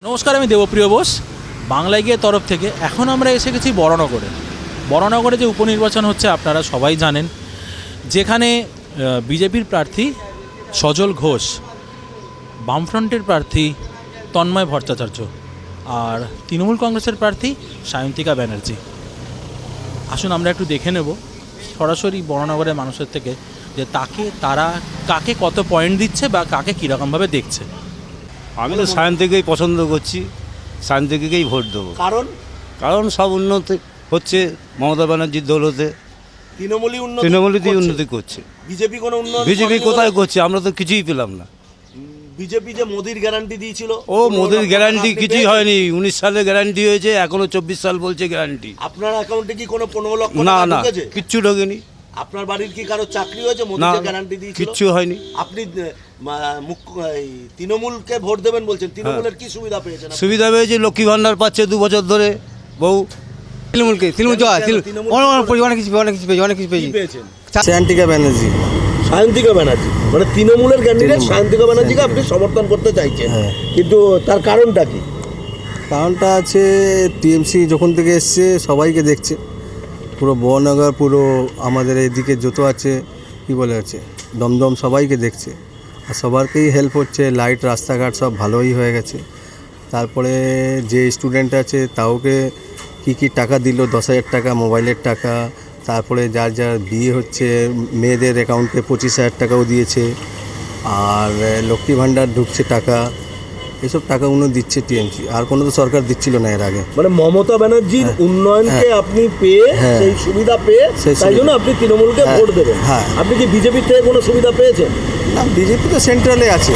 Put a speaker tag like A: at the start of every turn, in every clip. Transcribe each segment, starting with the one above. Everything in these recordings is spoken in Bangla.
A: নমস্কার, আমি দেবপ্রিয় বোস, বাংলা গিয়ে তরফ থেকে। এখন আমরা এসে গেছি বড়নগরে। বড়নগরে যে উপনির্বাচন হচ্ছে আপনারা সবাই জানেন, যেখানে বিজেপির প্রার্থী সজল ঘোষ, বামফ্রন্টের প্রার্থী তন্ময় ভট্টাচার্য আর তৃণমূল কংগ্রেসের প্রার্থী সায়ন্তিকা ব্যানার্জি। আসুন আমরা একটু দেখে নেব সরাসরি বড়নগরের মানুষের থেকে যে তারা কাকে কত পয়েন্ট দিচ্ছে বা কাকে কীরকমভাবে দেখছে।
B: আমি তো সায়ন্তিকেই পছন্দ করছি, সায়ন্তিকেই ভোট দেবো। কারণ সব উন্নতি হচ্ছে মমতা ব্যানার্জির দৌলতে। তৃণমূলই উন্নতি করছে। বিজেপি কোথায় করছে? আমরা তো কিছুই পেলাম না।
C: বিজেপি যে মোদির গ্যারান্টি দিয়েছিল,
B: মোদির গ্যারান্টি কিছুই হয়নি। 19 সালে গ্যারান্টি হয়েছে, এখনো 24 সাল বলছে গ্যারান্টি।
C: আপনার অ্যাকাউন্টে কি কোনো 15 লক্ষ
B: না
C: টাকা
B: না,
C: ঢুকেছে?
B: কিচ্ছু ঢোকেনি।
C: আপনার বাড়ির কি কারো চাকরি হয়েছে? মোদি যে গ্যারান্টি দিয়েছিল
B: কিচ্ছু হয়নি।
C: আপনি তৃণমূলকে ভোট দেবেন বলছেন, তৃণমূলের কি সুবিধা পেয়েছেন?
B: সুবিধা পেয়েছে, লক্ষ্মী ভান্ডার পাচ্ছে 2 বছর ধরে বউ।
D: তৃণমূল অনেক কিছু পেয়েছেন। সায়ন্তিকা ব্যানার্জি
C: মানে তৃণমূলের ক্যান্ডিডেট সায়ন্তিকা ব্যানার্জিকে আপনি সমর্থন করতে চাইছেন, কিন্তু তার কারণটা কি?
D: কারণটা আছে, টিএমসি যখন থেকে এসছে সবাইকে দেখছে, পুরো বড়নগর, পুরো আমাদের এদিকে যত আছে কি বলে আছে দমদম, সবাইকে দেখছে আর সবারকেই হেল্প হচ্ছে। লাইট, রাস্তাঘাট সব ভালোই হয়ে গেছে। তারপরে যে স্টুডেন্ট আছে তাওকে কি টাকা দিল, 10,000 টাকা, মোবাইলের টাকা। তারপরে যার যার বিয়ে হচ্ছে মেয়েদের অ্যাকাউন্টে 25,000 টাকাও দিয়েছে। আর লক্ষ্মী ভাণ্ডার ঢুকছে টাকা, এসব টাকাগুলো দিচ্ছে টিএমসি। আর কোনো তো সরকার দিচ্ছিল না এর আগে।
C: মানে মমতা ব্যানার্জির উন্নয়নকে আপনি পেয়ে, সেই সুবিধা পেয়ে, তাই জন্য আপনি তৃণমূলকে ভোট দেবেন। আপনি কি বিজেপির থেকে কোনো সুবিধা পেয়েছেন?
D: না, বিজেপি তো সেন্ট্রালে আছে,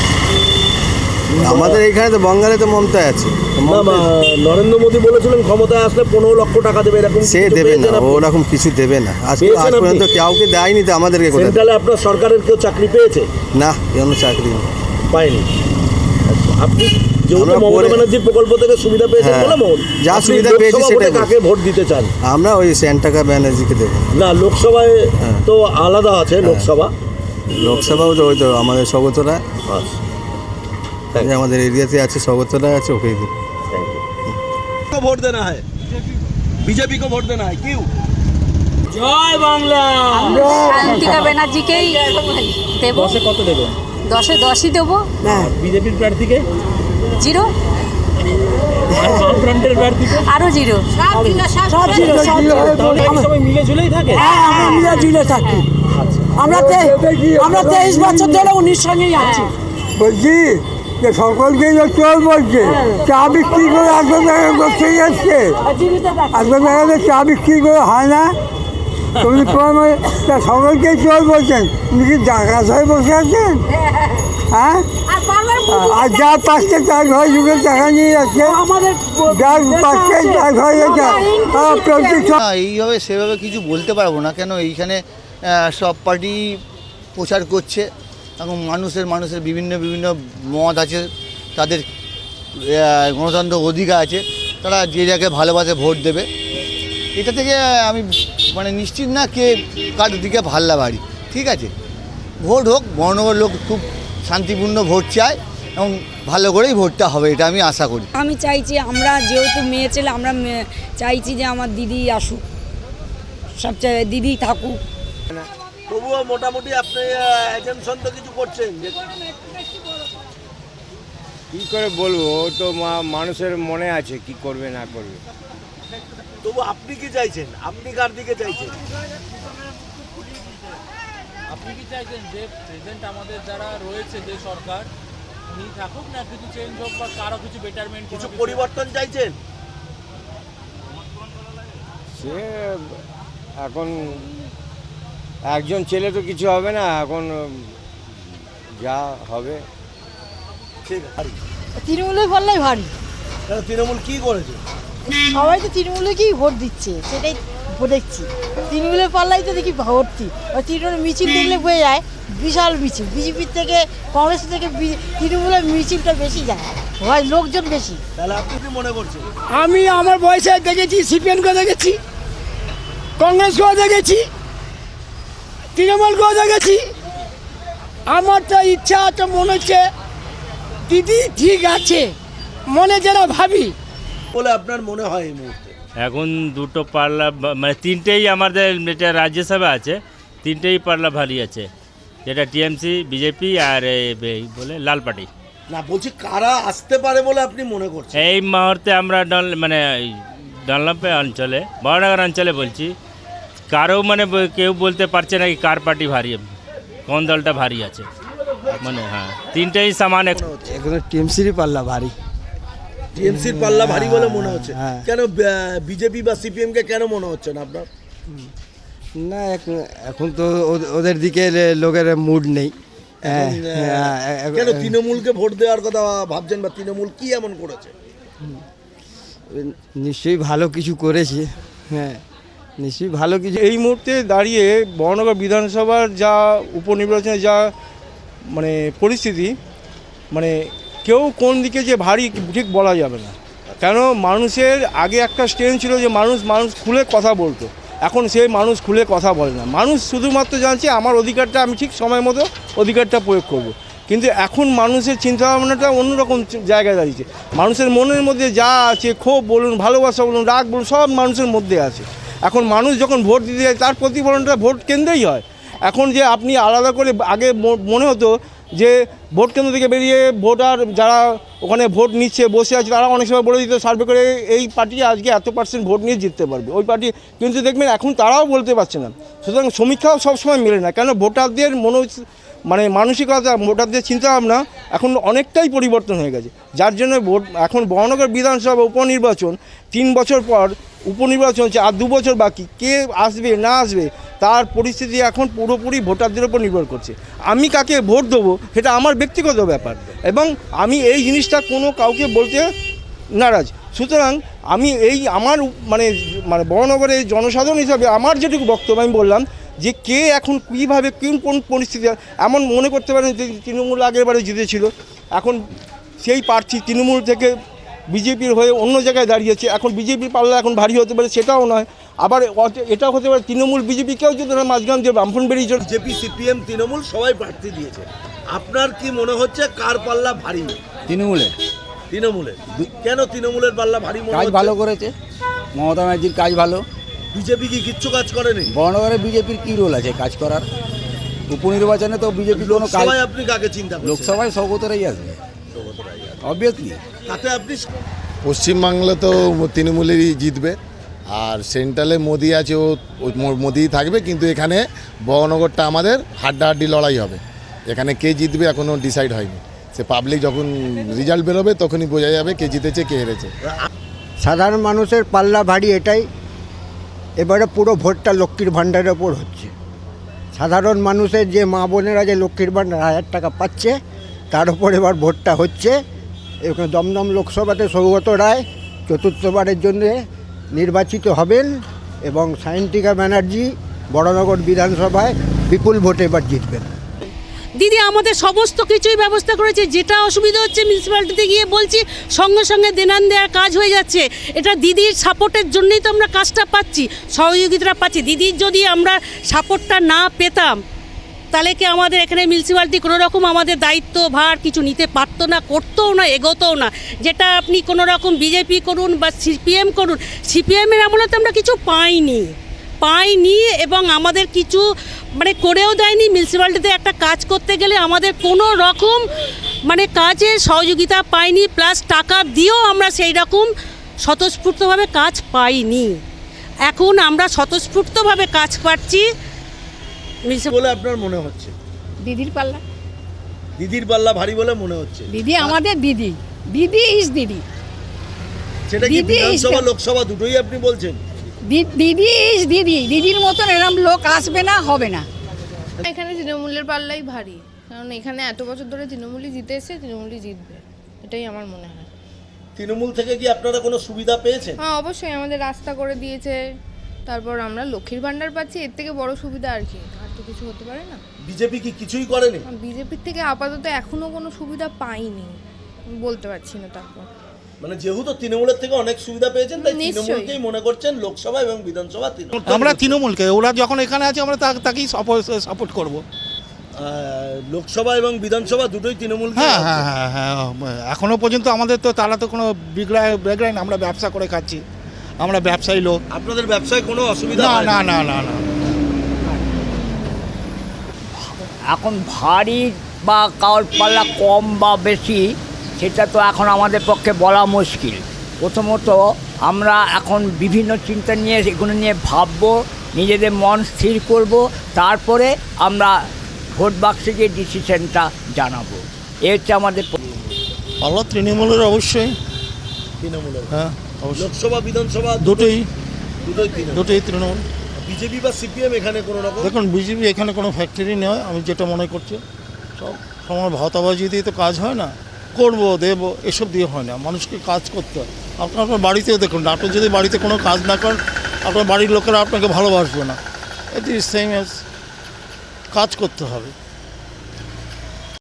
D: আমাদের এইখানে তো বঙ্গালে তো মমতা আছে।
C: নরেন্দ্র মোদী বলেছিলেন ক্ষমতায় আসলে 15 লক্ষ টাকা দেবে, এরকম
D: সে দেবে না, ওরকম কিছু দেবে না। আজ পর্যন্ত কাউকে দেয়নি তো আমাদেরকে।
C: সেন্ট্রালে আপনার সরকারের কেউ চাকরি পেয়েছে?
D: না, কোনো চাকরি
C: পায়নি। আপনি যেহেতু মমতা ব্যানার্জির প্রকল্প থেকে সুবিধা পেয়েছেন বলে
D: যা সুবিধা পেয়েছি সেটা
C: কাকে ভোট দিতে চান?
D: আমরা ওই সায়ন্তিকা ব্যানার্জিকে দেবো।
C: না, লোকসভায় তো আলাদা আছে।
D: লোকসভাও তো ওই তো আমাদের স্বগতরা, আমাদের এরিয়াতে আছে, স্বগতরা আছে, ওকেই দিই।
C: ভোট দেনা হয়, বিজেপি কো ভোট দেনা হয়। কিউ
A: জয় বাংলা।
E: সায়ন্তিকা ব্যানার্জিকেই দেব।
A: 10-এ কত দেবেন?
E: 10-এ 10ই দেবো।
A: বিজেপির প্রার্থীকে
E: 0,
A: আর বামফ্রন্টের প্রার্থীকে
E: আরও 0।
A: সবাই মিলে ঝুলেই থাকে।
F: আমরা মিলে ঝুলে থাকি। আমরা 23 বছর ধরে 19 সঙ্গেই আছি।
G: বলছি যে সকলকে চোর বলছে, চা বিক্রি করে আসবে করতে যাচ্ছে, আসবে জায়গাতে চা বিক্রি করে হয় না। তুমি সকলকে চোর বলছেন, উনি কি ডাকাত হয়ে বসে আছেন? হ্যাঁ, আর যার পাশে তার ঘর যুগে টাকা নিয়ে যাচ্ছে, যার পাশে তার ঘরে যাচ্ছে।
H: এইভাবে সেভাবে কিছু বলতে পারবো না, কেন এইখানে সব পার্টি প্রচার করছে এবং মানুষের বিভিন্ন মত আছে, তাদের গণতন্ত্র অধিকার আছে, তারা যে যাকে ভালোবাসে ভোট দেবে। এটা থেকে আমি নিশ্চিত না কে কার দিকে ভাল্লা বাড়ি। ঠিক আছে, ভোট হোক। বড়নগর লোক খুব শান্তিপূর্ণ ভোট চায় এবং ভালো করেই ভোটটা হবে, এটা আমি আশা করি।
I: আমি চাইছি, আমরা যেহেতু মেয়ে ছেলে, আমরা চাইছি যে আমার দিদি আসুক, সবচেয়ে দিদি থাকুক।
C: তবুও মোটামুটি আপনি এজেন্সন তো কিছু করছেন।
J: কী করে বলবো, ও তো মানুষের মনে আছে কি করবে না করবে।
C: তবু আপনি কি চাইছেন? আপনি কার দিকে চাইছেন?
A: আপনি কি চাইছেন যে প্রেজেন্ট আমাদের যারা রয়েছে, যে সরকার, উনি থাকুক, না কিছু চেঞ্জ হোক বা কারো কিছু বেটারমেন্ট,
C: কিছু পরিবর্তন চাইছেন?
J: সে এখন একজন ছেলে তো কিছু হবে না, এখন যা হবে।
C: ঠিক আছে,
F: তৃণমূলের পাল্লাই ভারী।
C: তৃণমূল কি করেছে?
F: সবাই তো তৃণমূলকেই ভোট দিচ্ছে, সেটাই দেখছি। তৃণমূলের পাল্লাই তো দেখি ভর্তি। ওই তৃণমূল মিছিল দেখলে বোঝা যায়, বিশাল মিছিল। বিজেপির থেকে, কংগ্রেস থেকে তৃণমূলের মিছিলটা বেশি যায়, হয় লোকজন বেশি।
C: তাহলে আপনি কি মনে করছেন?
F: আমি আমার বয়সে দেখেছি, সিপিএমকেও দেখেছি, কংগ্রেসকেও দেখেছি, তৃণমূলকেও দেখেছি। আমার তো ইচ্ছা আছে, মনে হচ্ছে দিদি ঠিক আছে,
G: মনে যেন ভাবি।
C: বলে আপনার মনে হয় এই মুহূর্তে?
J: এখন দুটো পাল্লা মানে তিনটেই আমাদের যেটা রাজ্যসভা আছে তিনটেই পাল্লা ভারী আছে, যেটা টিএমসি, বিজেপি আর এই বলে লাল পার্টি।
C: না, বলছি কারা আসতে পারে বলে আপনি মনে করছেন?
J: এই মুহূর্তে আমরা মানে ডানলপে অঞ্চলে, বড়নগর অঞ্চলে বলছি, কারো মানে কেউ বলতে পারছে না কি কার পার্টি ভারী, কোন দলটা ভারী আছে। মানে হ্যাঁ, তিনটেই সমান।
D: এখন টিএমসিরই পাল্লা ভারী।
C: টিএমসির পাল্লা ভারী বলে মনে হচ্ছে? কেন বিজেপি বা সিপিএম কে কেন মনে হচ্ছে না আপনার?
D: না, এখন তো ওদের দিকে লোকের মুড নেই।
C: কেন তৃণমূলকে ভোট দেওয়ার কথা ভাবছেন, বা তৃণমূল কি এমন করেছে?
D: নিশ্চয়ই ভালো কিছু করেছে, হ্যাঁ নিশ্চয়ই ভালো কিছু।
B: এই মুহূর্তে দাঁড়িয়ে বড়নগর বিধানসভার যা উপনির্বাচনের যা মানে পরিস্থিতি, মানে কেউ কোন দিকে যে ভারী ঠিক বলা যাবে না। কেন মানুষের আগে একটা স্ট্রেন ছিল যে মানুষ খুলে কথা বলতো, এখন সেই মানুষ খুলে কথা বলে না। মানুষ শুধুমাত্র জানছে আমার অধিকারটা আমি ঠিক সময় মতো অধিকারটা প্রয়োগ করব। কিন্তু এখন মানুষের চিন্তাভাবনাটা অন্যরকম জায়গায় দাঁড়িয়েছে। মানুষের মনের মধ্যে যা আছে, ক্ষোভ বলুন, ভালোবাসা বলুন, রাগ বলুন, সব মানুষের মধ্যে আছে। এখন মানুষ যখন ভোট দিতে যায় তার প্রতিফলনটা ভোট কেন্দ্রেই হয়। এখন যে আপনি আলাদা করে আগে মনে হতো যে ভোট কেন্দ্র থেকে বেরিয়ে ভোটার যারা ওখানে ভোট নিচ্ছে বসে আছে তারা অনেক সময় বলে দিত সার্ভে করে এই পার্টি আজকে এত % ভোট নিয়ে জিততে পারবে ওই পার্টি, কিন্তু দেখবেন এখন তারাও বলতে পারছে না। সুতরাং সমীক্ষাও সবসময় মেলে না, কেন ভোটারদের মানে মানসিকতা, ভোটারদের চিন্তাভাবনা এখন অনেকটাই পরিবর্তন হয়ে গেছে। যার জন্য এখন বড়নগর বিধানসভা উপনির্বাচন 3 বছর পর উপনির্বাচন হচ্ছে, আর 2 বছর বাকি। কে আসবে না আসবে তার পরিস্থিতি এখন পুরোপুরি ভোটারদের উপর নির্ভর করছে। আমি কাকে ভোট দেবো সেটা আমার ব্যক্তিগত ব্যাপার, এবং আমি এই জিনিসটা কোনো কাউকে বলতে নারাজ। সুতরাং আমি আমার মানে বড়নগরের জনসাধারণ হিসাবে আমার যেটুকু বক্তব্য আমি বললাম যে কে এখন কীভাবে কোন পরিস্থিতি, এমন মনে করতে পারেন যে তৃণমূল আগেরবারে জিতেছিল, এখন সেই প্রার্থী তৃণমূল থেকে বিজেপির হয়ে অন্য জায়গায় দাঁড়িয়েছে। এখন বিজেপির পাল্লা এখন ভারী হতে পারে, সেটাও নয়। আবার এটাও হতে পারে তৃণমূল বিজেপিকেও যদি মাঝখান যে বামফ্রন্ট বেরিয়ে চলে।
C: বিজেপি, সিপিএম, তৃণমূল সবাই প্রার্থী দিয়েছে। আপনার কি মনে হচ্ছে কার পাল্লা ভারী?
D: তৃণমূলের।
C: কেন তৃণমূলের পাল্লা ভারী?
D: কাজ ভালো করেছে, মমতা ব্যানার্জির কাজ ভালো।
C: বিজেপি কি কিচ্ছু কাজ করেনি?
D: বড়নগরে বিজেপির কী রোল আছে কাজ করার? উপনির্বাচনে তো বিজেপি কোনো কাজ।
C: আপনি কাকে চিন্তা করছেন?
D: লোকসভায় সৌগতরাই আসবে অবভিয়াসলি।
C: তাতে আপনি
K: পশ্চিমবাংলা তো তৃণমূলেরই জিতবে, আর সেন্ট্রালে মোদি আছে, ও মোদি থাকবে। কিন্তু এখানে বড়নগরটা আমাদের হাড্ডাহাড্ডি লড়াই হবে। এখানে কে জিতবে এখনও ডিসাইড হয়নি। সে পাবলিক যখন রেজাল্ট বেরোবে তখনই বোঝা যাবে কে জিতেছে কে হেরেছে।
G: সাধারণ মানুষের পাল্লা ভারী এটাই, এবারে পুরো ভোটটা লক্ষ্মীর ভাণ্ডারের ওপর হচ্ছে। সাধারণ মানুষের যে মা বোনেরা যে লক্ষ্মীর ভাণ্ডার 1000 টাকা পাচ্ছে তার উপর এবার ভোটটা হচ্ছে। এখানে দমদম লোকসভাতে সৌগত রায় চতুর্থবারের জন্য নির্বাচিত হবেন, এবং সায়ন্তিকা ব্যানার্জি বড়নগর বিধানসভায় বিপুল ভোটে এবার জিতবেন।
F: দিদি আমাদের সমস্ত কিছুই ব্যবস্থা করেছে। যেটা অসুবিধা হচ্ছে মিউনিসিপ্যালিটিতে গিয়ে বলছি, সঙ্গে সঙ্গে দেনান দেওয়ার কাজ হয়ে যাচ্ছে। এটা দিদির সাপোর্টের জন্যই তো আমরা কাজটা পাচ্ছি, সহযোগিতা পাচ্ছি। দিদির যদি আমরা সাপোর্টটা না পেতাম তাহলে কি আমাদের এখানে মিউনিসিপ্যালিটি কোনো রকম আমাদের দায়িত্ব ভার কিছু নিতে পারতো না, করতেও না, এগোতেও না। যেটা আপনি কোনো রকম বিজেপি করুন বা সিপিএম করুন, সিপিএমের আমলে তো আমরা কিছু পাইনি, এবং আমাদের কিছু মানে করেও দেয়নি। মিউনিসিপ্যালিটিতে একটা কাজ করতে গেলে আমাদের কোনো রকম মানে কাজের সহযোগিতা পাইনি, প্লাস টাকা দিয়েও আমরা সেই রকম স্বতঃস্ফূর্তভাবে কাজ পাইনি। এখন আমরা স্বতঃস্ফূর্তভাবে কাজ পাচ্ছি।
C: বলে আপনার মনে হচ্ছে?
E: দিদির পাল্লা।
C: দিদির পাল্লা ভারী বলে মনে হচ্ছে?
E: দিদি আমাদের দিদি ইজ দিদি।
C: সেটা কি বিধানসভা লোকসভা দুটোই আপনি বলছেন?
E: দিদি ইজ দিদি, দিদির মতন এরকম লোক আসবে না, হবে না।
L: এখানে তৃণমূলের পাল্লাই ভারী, কারণ এখানে এত বছর ধরে তৃণমূলই জিতে এসে, তৃণমূলই জিতবে, এটাই আমার মনে হয়।
C: তৃণমূল থেকে কি আপনারা কোনো সুবিধা পেয়েছেন?
L: হ্যাঁ অবশ্যই, আমাদের রাস্তা করে দিয়েছে, তারপর আমরা লক্ষ্মীর ভাণ্ডার পাচ্ছি, এর থেকে বড় সুবিধা আর কি? আর তো কিছু হতে পারে না।
C: বিজেপি কি কিছুই করেনি?
L: বিজেপির থেকে আপাতত এখনো কোনো সুবিধা পাইনি, বলতে পারছি না। তারপর
C: মানে যেহেতু তৃণমূলের থেকে অনেক সুবিধা পেয়েছেন তাই তৃণমূলকেই মনে করছেন লোকসভা এবং বিধানসভা।
M: আমরা তৃণমূলকে, ওরা যখন এখানে আছে আমরা তাকেই সাপোর্ট করব।
C: লোকসভা এবং বিধানসভা দুটোই তৃণমূল।
M: হ্যাঁ হ্যাঁ হ্যাঁ হ্যাঁ এখনও পর্যন্ত আমাদের তো তারা তো কোনো বিগ্রায় না, আমরা ব্যবসা করে খাচ্ছি, আমরা ব্যবসায়ী লোক।
C: আপনাদের ব্যবসায় কোনো অসুবিধা
M: না
C: হয়
M: না না না না।
N: এখন ভারী বা কারোর পাল্লা কম বা বেশি সেটা তো এখন আমাদের পক্ষে বলা মুশকিল। প্রথমত আমরা এখন বিভিন্ন চিন্তা নিয়ে এগুলো নিয়ে ভাববো, নিজেদের মন স্থির করব, তারপরে আমরা ভোট বাক্সে গিয়ে ডিসিশনটা জানাবো। এ হচ্ছে আমাদের
M: পাল্লা তৃণমূলের অবশ্যই।
C: তৃণমূলের?
M: হ্যাঁ অবশ্যই।
C: লোকসভা বিধানসভা
M: দুটোই
C: তৃণমূল।
M: দুটোই তৃণমূল।
C: বিজেপি বা সিপিএম এখানে কোনো রকম?
M: দেখুন বিজেপি এখানে কোনো ফ্যাক্টরি নয়, আমি যেটা মনে করছি সব সময় ভাতাবাজি দিয়ে তো কাজ হয় না, করবো দেবো এসব দিয়ে হয় না, মানুষকে কাজ করতে হয়। আপনার বাড়িতেও দেখুন, আপনি যদি বাড়িতে কোনো কাজ না করেন আপনার বাড়ির লোকেরা আপনাকে ভালোবাসবে না। ইট ইজ সেম এজ, কাজ করতে হবে।